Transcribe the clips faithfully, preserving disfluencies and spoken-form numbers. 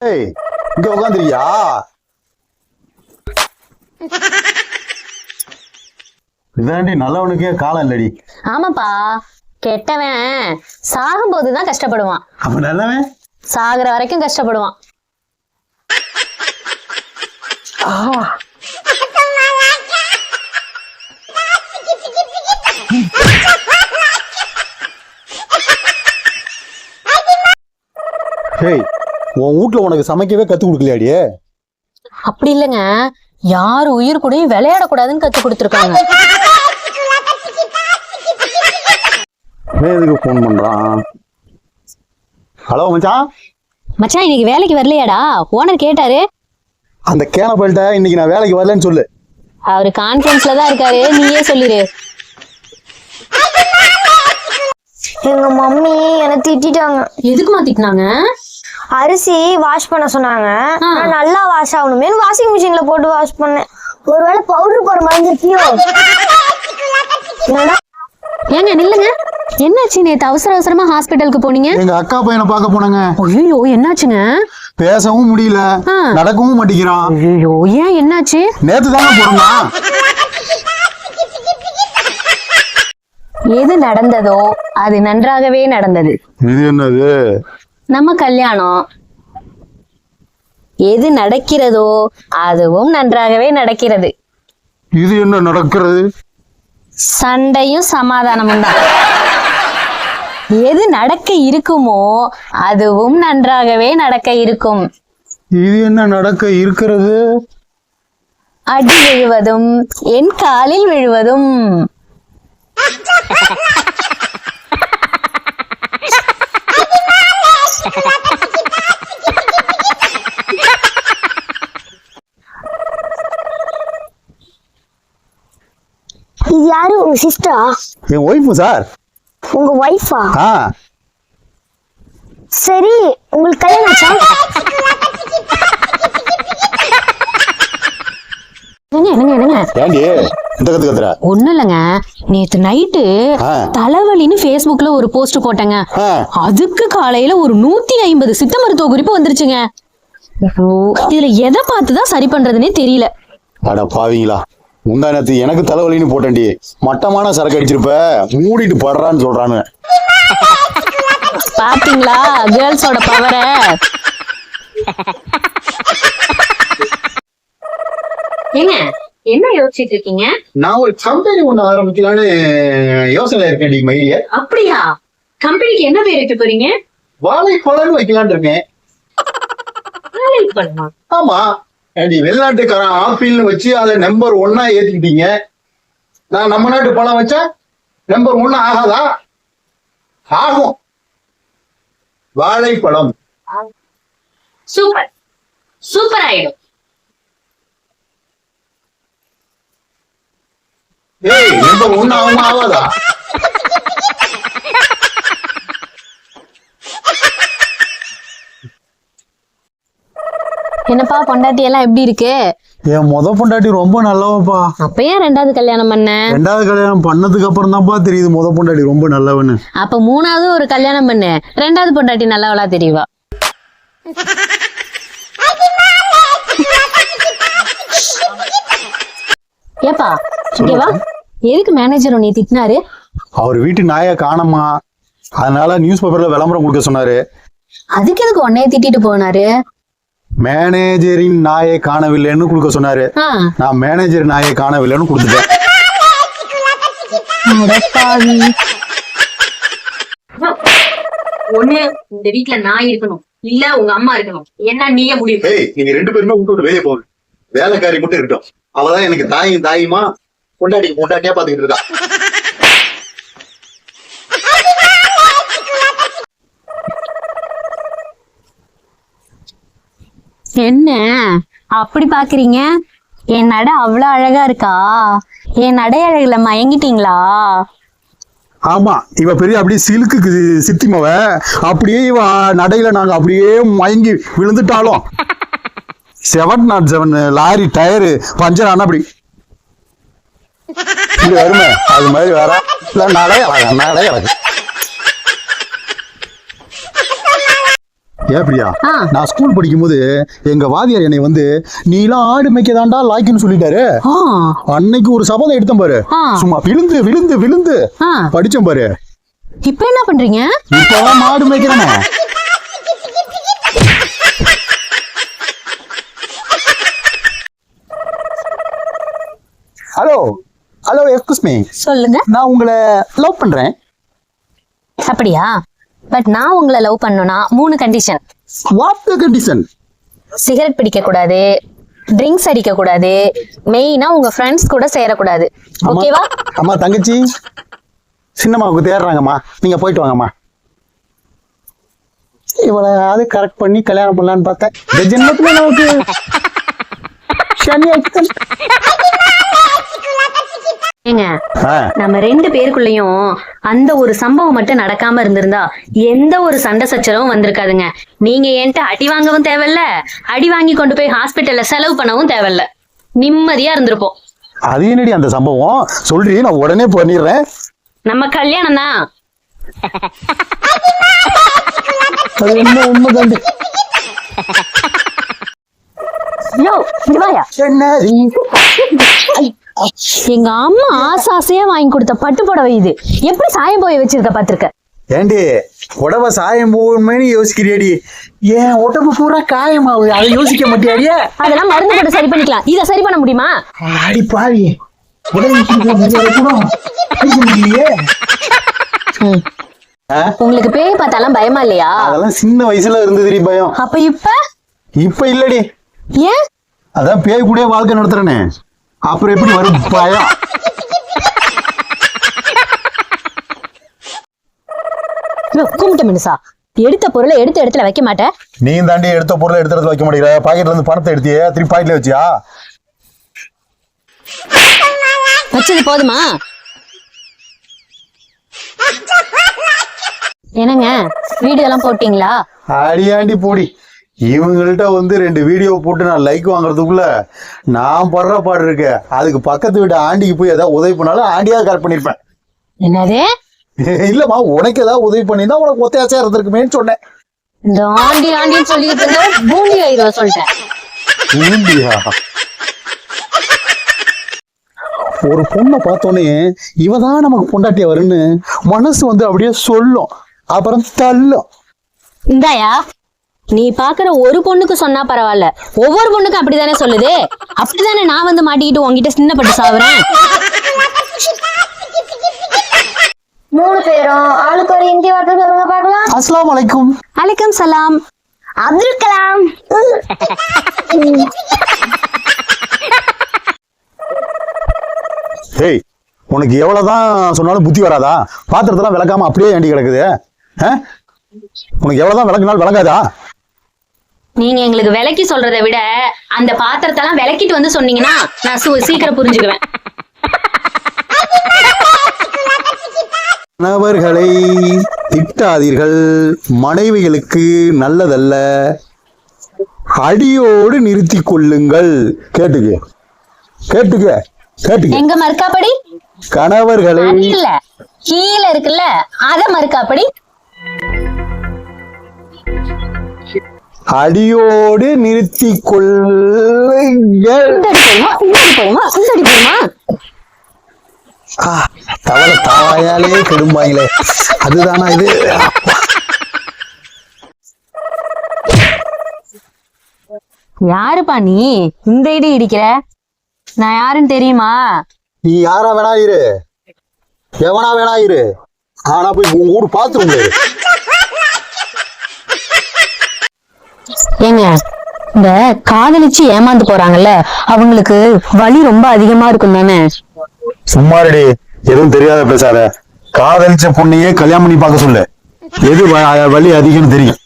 ஏய் இங்க உட்காந்துருக்கியா? இதாண்டி நல்லவனுக்கே காலம் இல்லடி. ஆமாப்பா, கெட்டவன் சாகும் போதுதான் கஷ்டப்படுவான். அப்ப நல்லவன் சாகுற வரைக்கும் கஷ்டப்படுவான். ஏய் உன் வீட்டுல உனக்கு சமைக்கவே கத்து கொடுக்கலையாடியே? அப்படி இல்லைங்க, யாரு உயிர் கூடயும் விளையாடக்கூடாதுன்னு கத்து கொடுத்துருக்காங்க. எதுக்கு போன் பண்றான்? ஹலோ மச்சான். மச்சான் இன்னைக்கு வேலைக்கு வரலையாடா? ஓனர் கேட்டாரு. அந்த கேனப்பல்ட்ட இன்னைக்கு நான் வேலைக்கு வரலன்னு சொல்லு. அவரு கான்ஃபரன்ஸ்ல தான் இருக்காரு, நீயே சொல்லிரு. எங்க மம்மி என்ன திட்டிட்டாங்க. எதுக்குமா திட்டினாங்க? அரிசி வாஷ் பண்ண சொன்னாங்க. நான் நல்லா வாஷ் ஆகணுமே வாஷிங் மிஷின்ல போட்டு வாஷ் பண்ணேன். ஒருவேளை பவுடர் போற மறந்துருக்கியோ? ஏங்க நில்லுங்க, என்னாச்சு? நேத்து அவசர அவசரமா ஹாஸ்பிட்டலுக்கு போனீங்க. எங்க அக்கா பையனை பார்க்க போனாங்க. ஐயோ என்னாச்சுங்க? பேசவும் முடியல, நடக்கவும் மாட்டேங்கிறான். ஐயோ ஏன் என்னாச்சு? நேத்து தானே போறோமா. எது நடந்ததோ அது நன்றாகவே நடந்தது. இது என்னது? நம்ம கல்யாணம். எது நடக்கிறதோ அதுவும் நன்றாகவே நடக்கிறது. இது என்ன நடக்கிறது? சண்டையும் சமாதானமும் தான். எது நடக்க இருக்குமோ அதுவும் நன்றாகவே நடக்க இருக்கும். இது என்ன நடக்க இருக்கிறது? அடி விழுவதும் என் காலில் விழுவதும். இது யாரு? உங்க சிஸ்டரா? என் ஒய்ஃபு சார். உங்க ஒய்ஃபா? ஆ சரி, உங்களுக்கு கல்யாணம் ஆச்சா? என்னங்க என்னங்க ஏண்டி இந்த கத்து கத்துற? ஒண்ணு இல்லைங்க, நேத்து நைட்டு தலைவலின்னு Facebookல ஒரு போஸ்ட் போட்டேங்க. அதுக்கு காலையில ஒரு நூத்தி ஐம்பது சித்த மருத்துவ குறிப்பு வந்துருச்சுங்க. இதுல எதை பார்த்துதான் சரி பண்றதுன்னே தெரியல. அட பாவீங்களா, முந்தா நேத்து எனக்கு தலைவலின்னு போட்டேன்டி. மட்டமான சரக்கு அடிச்சிருப்ப, மூடிட்டு படுறான்னு சொல்றானு. பாத்தீங்களா கேர்ள்ஸோட பவர? ஏங்க என்ன யோசிச்சுட்டு இருக்கீங்க? நான் ஒரு கம்பெனி ஒண்ணு ஆரம்பிக்கலான்னு யோசனை இருக்கேன். மைடியா. அப்படியா? கம்பெனிக்கு என்ன பேர் வைக்க போறீங்க? வாழைப்பழம்னு வைக்கலான்னு இருக்கேன். வாழைப்பழமா? ஆமா, வெளிநாட்டுக்காரன் ஆப்பிள்னு வச்சு அதை நம்பர் ஒன்னா ஏத்திக்கிட்டீங்க. நான் நம்ம நாட்டு பழம் வச்சா நம்பர் ஒன்னு ஆகாதா? ஆகும். வாழைப்பழம் சூப்பர் சூப்பர் ஆயிடும். ஏய், நம்பர் ஒன்னு ஆகும் ஆகாதா? என்னப்பா பொண்டாட்டி எல்லாம் எப்படி இருக்கு? என் முத பொண்டாட்டி ரொம்ப நல்லவப்பா. அப்ப ஏன் ரெண்டாவது கல்யாணம் பண்ண? ரெண்டாவது கல்யாணம் பண்ணதுக்கு அப்புறம் தான்ப்பா தெரியுது முத பொண்டாட்டி ரொம்ப நல்லவன்னு. அப்ப மூணாவது ஒரு கல்யாணம் பண்ணு, ரெண்டாவது பொண்டாட்டி நல்லவளா தெரியவா? ஏப்பா இங்க வா. எதுக்கு மேனேஜர் உன்னை திட்டினாரு? அவர் வீட்டு நாயை காணோமா, அதனால நியூஸ் பேப்பர்ல விளம்பரம் கொடுக்க சொன்னாரு. அதுக்கு எதுக்கு உன்னைய திட்டிட்டு போனாரு? மேனேஜரின் நாயை காணவில்லைன்னு கொடுக்க சொன்னாரு. நான் மேனேஜர் நாயை காணவில்லைன்னு கொடுத்துட்டேன். ஒண்ணு இந்த வீட்டுல நாய் இருக்கணும், இல்ல உங்க அம்மா இருக்கணும். என்ன நீயே முடிவு? நீங்க ரெண்டு பேருமே விட்டு வெளியே போகுது. வேலைக்காரி மட்டும் இருக்கட்டும். அவதான் எனக்கு தாயும் தாயுமா பொண்டாட்டிக்கு பொண்டாட்டியா பாத்துக்கிட்டு இருக்கா. என்ன அப்படி பாக்குறீங்க? என் நடை அவ்வளவு அழகா இருக்கா? என் நடை அழகுல மயங்கிட்டீங்களா? ஆமா, இவ பெரிய அப்படியே சிலுக்கு சித்திமவ. அப்படியே இவ நடையில நாங்க அப்படியே மயங்கி விழுந்துட்டாலும் seven nought seven lorry tyre puncture ஆனா அப்படி வருமே, அது மாதிரி வேற நடை அழகா நடை அழகு. ஏன் பிரியா ஆ. நான் ஸ்கூல் படிக்கும் போது எங்க வாதியார் என்னை வந்து நீலாம் ஆடு மேய்க்கதாண்டா லாய்க்குன்னு சொல்லிட்டாரு. ஆ, அன்னைக்கு ஒரு சபதம் எடுத்தேன் பாரு. ஆ. சும்மா விழுந்து விழுந்து விழுந்து ஆ. படிச்சேன் பாரு. இப்ப என்ன பண்றீங்க? இப்பதான் மாடு மேய்க்கிறேனே. ஹலோ ஹலோ எக்ஸ்கூஸ் மீ, சொல்லுங்க. நான் உங்களை லவ் பண்றேன். அப்படியா? பட் நான் உங்களை லவ் பண்ணனும்னா மூணு condition. What the condition? Cigarette பிடிக்க கூடாது, ட்ரிங்க்ஸ் அடிக்க கூடாது, மெயினா உங்க ஃப்ரெண்ட்ஸ் கூட சேரக்கூடாது. ஓகேவா? அம்மா தங்கச்சி சின்னம்மாவுக்கு தேடுறாங்கம்மா, நீங்க போயிட்டு வாங்கம்மா. இவ்வளவு கரெக்ட் பண்ணி கல்யாணம் பண்ணலான்னு பார்த்தேன். இந்த ஜென்மத்துல நமக்கு சனி ஆயிடுச்சு. ஏங்க, ஆ, நம்ம ரெண்டு பேருக்குள்ளயும் அந்த ஒரு சம்பவம் மட்டும் நடக்காம இருந்திருந்தா எந்த ஒரு சண்டை சச்சரவும் வந்திருக்காதுங்க. நீங்க என்கிட்ட அடி வாங்கவும் தேவையில்ல, அடி வாங்கி கொண்டு போய் ஹாஸ்பிட்டல்ல செலவு பண்ணவும் தேவையில்ல, நிம்மதியா இருந்திருப்போம். அது என்னடி அந்த சம்பவம் சொல்றீ, நான் உடனே பண்ணிடுறேன். நம்ம கல்யாணம் தான். அது என்ன உண்மைதாண்டி. யோ, இங்க வாயா. என்னடி? எங்க அம்மா ஆசாசையா வாங்கி கொடுத்த பட்டு புடவை இது. எப்படி சாயம் போய் வச்சிருக்க பாத்திருக்க? ஏண்டி உடம்ப சாயம் போகணுமேனு யோசிக்கிறியாடி? ஏன் உடம்பு பூரா காயமாவுது, அதை யோசிக்க மாட்டியாடியா? அதெல்லாம் மருந்து போட்டு சரி பண்ணிக்கலாம், இத சரி பண்ண முடியுமா? அடி பாவி, உங்களுக்கு பேய் பார்த்தாலாம் பயமா இல்லையா? அதெல்லாம் சின்ன வயசுல இருந்ததுடி பயம். அப்ப இப்ப இப்ப இல்லடி. ஏன்? அதான் பேய் கூட வாழ்க்கை நடத்துறேனே, அப்புறம் எப்படி வரும் பயம்? கும்பிட்ட மினுசா, எடுத்த பொருளை எடுத்த இடத்துல வைக்க மாட்டேன். நீ தாண்டி எடுத்த பொருளை எடுத்த இடத்துல வைக்க மாட்டேங்கிற. பாக்கெட்ல இருந்து பணத்தை எடுத்தியே, திருப்பி பாக்கெட்ல வச்சியா? வச்சது போதுமா? என்னங்க, வீடியோ எல்லாம் போட்டீங்களா? அடியாண்டி போடி. இவங்கள்ட்ட வந்து ரெண்டு வீடியோ போட்டு நான் லைக் வாங்குறதுக்குள்ள நான் படுற பாடு இருக்கு. அதுக்கு பக்கத்து வீட்டு ஆண்டிக்கு போய் ஏதாவது உதவி பண்ணாலும் ஆண்டியாக கரெக்ட் பண்ணிருப்பேன். என்னது? இல்லம்மா, உனக்கு ஏதாவது உதவி பண்ணிதான் உனக்கு ஒத்தையாச்சா இருந்திருக்குமேன்னு சொன்னேன். இந்த ஆண்டி ஆண்டின்னு சொல்லிட்டு இருந்தா பூண்டி ஆயிரம் சொல்லிட்டேன். பூண்டியா? ஒரு பொண்ணை பார்த்தோன்னே இவதான் நமக்கு பொண்டாட்டியா வருன்னு மனசு வந்து அப்படியே சொல்லும், அப்புறம் தள்ளும். இந்தாயா, நீ பாக்குற ஒரு பொண்ணுக்கு சொன்னா பரவாயில்ல, ஒவ்வொரு பொண்ணுக்கும் அப்படித்தானே சொல்லுது. அப்படித்தானே நான் வந்து மாட்டிக்கிட்டு உங்ககிட்ட சின்னப்பட்டு சாவுறேன். மூணு பேரும் ஆளுக்கு ஒரு இந்தி வார்த்தை சொல்லுங்க பார்க்கலாம். அஸ்ஸலாமு அலைக்கும். அலைக்கும் சலாம். அப்துல் கலாம். ஹேய், உனக்கு எவ்வளவுதான் சொன்னாலும் புத்தி வராதா? பாத்திரத்தெல்லாம் விளக்காம அப்படியே ஏண்டி கிடக்குது? ஆ? உனக்கு எவ்வளவுதான் விளக்குனாலும் விளங்காதா? நீங்க எங்களுக்கு விலைக்கு சொல்றதை விட அந்த பாத்திரத்தெல்லாம் விளக்கிட்டு வந்து சொன்னீங்கன்னா நான் சு- சீக்கிரம் புரிஞ்சுக்குவேன். கணவர்களை திட்டாதீர்கள், மனைவிகளுக்கு நல்லதல்ல, அடியோடு நிறுத்தி கொள்ளுங்கள். கேட்டுக்க கேட்டுக்க கேட்டுக்க. எங்க மறுக்காப்படி? கணவர்களை அது இல்ல, கீழே இருக்குல்ல அத மறுக்காப்படி. அடியோடு நிறுத்தி கொள்ளுங்கள். இந்த அடி போதுமா? இந்த அடி போதுமா? இந்த அடி போதுமா? ஆ, தவளை தாயாலே கெடும்பாங்களே, அதுதானா இது? யாருப்பா நீ இந்த இடி இடிக்கிற? நான் யாருன்னு தெரியுமா? நீ யாரா வேணா இரு, எவனா வேணா இரு, ஆனா போய் உன் ஊரு பாத்துருங்க. ஏங்க, இந்த காதலிச்சு ஏமாந்து போறாங்கல்ல, அவங்களுக்கு வலி ரொம்ப அதிகமா இருக்கும் தானே? சும்மாரடி, எதுவும் தெரியாத பேசாத. காதலிச்ச பொண்ணையே கல்யாணம் பண்ணி பார்க்க சொல்லு, எது வ- வலி அதிகம்னு தெரியும்.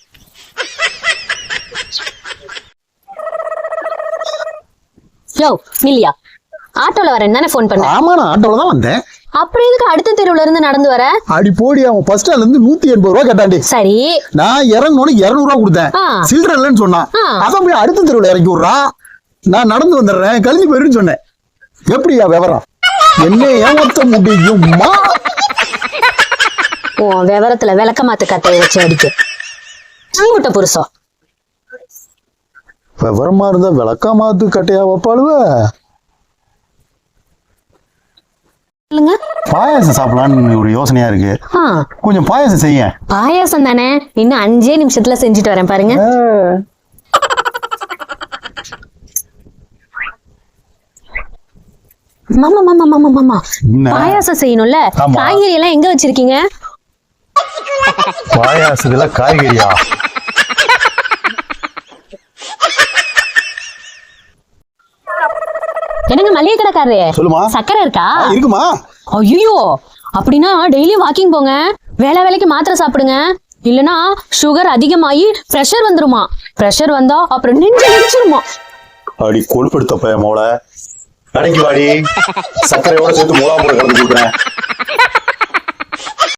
யோ இல்லையா, ஆட்டோல வரேன் தானே போன் பண்ண. ஆமா, நான் ஆட்டோல தான் வந்தேன். அப்புறம் எதுக்கு அடுத்த தெருவுல இருந்து நடந்து வர? அடி போடி, அவன் பஸ் ஸ்டாண்ட்ல இருந்து நூத்தி எண்பது ரூபா கேட்டாண்டி. சரி, நான் இறங்கணும்னு இருநூறு ரூபா கொடுத்தேன். ஆ. சில்லற இல்லைன்னு சொன்னான். ஆ. அதான் போய் அடுத்த தெருவுல இறக்கி விடுறா, நான் நடந்து வந்துடுறேன், கழிஞ்சு போயிருன்னு சொன்னேன். எப்படியா விவரம்? என்ன ஏமாத்த முடியுமா? உன் விவரத்துல விளக்க மாத்து கட்டையை வச்சு அடிக்க புருஷம். விவரமா இருந்தா விளக்கா மாத்து கட்டையா வைப்பாளுவ. சொல்லுங்க. பாயாசம் சாப்பிடலான்னு ஒரு யோசனையா இருக்கு. ஆ, கொஞ்சம் பாயாசம் செய்ய. பாயாசம் தானே, இன்னும் அஞ்சே நிமிஷத்துல செஞ்சுட்டு வரேன் பாருங்க. மாமா மாமா மாமா மாமா என்ன? பாயாசம் செய்யணும்ல, ஆமா. காய்கறி எல்லாம் எங்க வச்சிருக்கீங்க? பாயாசத்துல காய்கறியா? என்னங்க மளிகை கடைக்காரரு, சொல்லுமா. சக்கரை இருக்கா? ஆ, இருக்குமா. ஐயோ, அப்படின்னா டெய்லி வாக்கிங் போங்க, வேலை வேலைக்கு மாத்திரை சாப்பிடுங்க, இல்லனா சுகர் அதிகமாகி பிரஷர் வந்துருமா. பிரஷர் வந்தா அப்புறம் நெஞ்சு நெஞ்சிருமா. அடி கொழுப்படுத்த பைய மோள, கடைக்கு வாடி, சர்க்கரையோட சேர்த்து மூலா போட கலந்து கொடுக்குறேன்.